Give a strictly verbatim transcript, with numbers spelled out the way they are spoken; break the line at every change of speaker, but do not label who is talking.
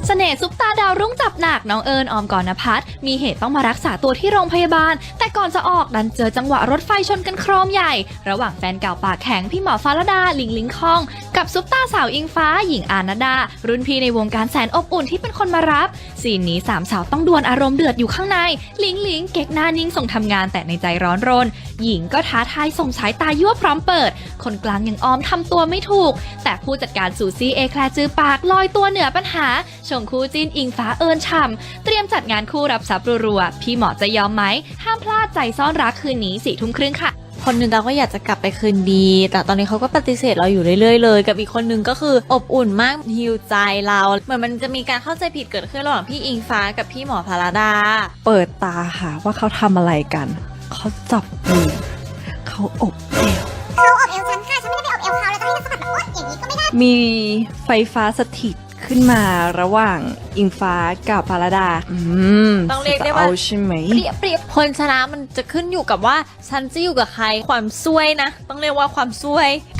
เสน่ห์ซุปตาดาวรุ่งจับหนักน้องเอิญออมกรณพัฒน์มีเหตุต้องมารักษาตัวที่โรงพยาบาลแต่ก่อนจะออกดันเจอจังหวะรถไฟชนกันโครมใหญ่ระหว่างแฟนเก่าปากแข็งพี่หมอฟ้าลดาลิงลิงคองกับซุปตาสาวอิงฟ้าหญิงอานาดารุ่นพี่ในวงการแสนอบอุ่นที่เป็นคนมารับซีนนี้สามสาวต้องดวลอารมณ์เดือดอยู่ข้างในลิงลิงเก๊กหน้านิ่งส่งทำงานแต่ในใจร้อนรนหญิงก็ท้าทายส่งสายตายั่วพร้อมเปิดคนกลางยังออมทำตัวไม่ถูกแต่ผู้จัดการซูซี่เอแคลร์จือปากลอยตัวเหนือปัญหาชงคู่จิ้นอิงฟ้าเอิญฉ่ำเตรียมจัดงานคู่รับทรัพย์รัวๆพี่หมอจะยอมไหมห้ามพลาดใจซ่อนรักคืนนี้สี่ทุ่มครึ่งค่ะ
คนหนึ่งเราก็อยากจะกลับไปคืนดีแต่ตอนนี้เขาก็ปฏิเสธเราอยู่เรื่อยๆเลยกับอีกคนหนึ่งก็คืออบอุ่นมากฮิวใจเราเหมือนมันจะมีการเข้าใจผิดเกิดขึ้นระหว่างพี่อิงฟ้ากับพี่หมอพาราดา
เปิดตาหาว่าเขาทำอะไรกันเขาจับมือเขาอบเอว
เขาอบเอวฉันค่ะฉันไม่ได้ไปอบเอวเขาแล้วจะให้ฉันสะบัดแบบโอ๊ยอย่างนี้ก็ไม่ได้
มีไฟฟ้าสถิตขึ้นมาระหว่างอิงฟ้ากับพาราดาอืม
ต้องเรียกได้ว่า
ใช่ไหม
เปรียบเปรียบคนชนะมันจะขึ้นอยู่กับว่าฉันจะอยู่กับใครความซวยนะต้องเรียกว่าความซวย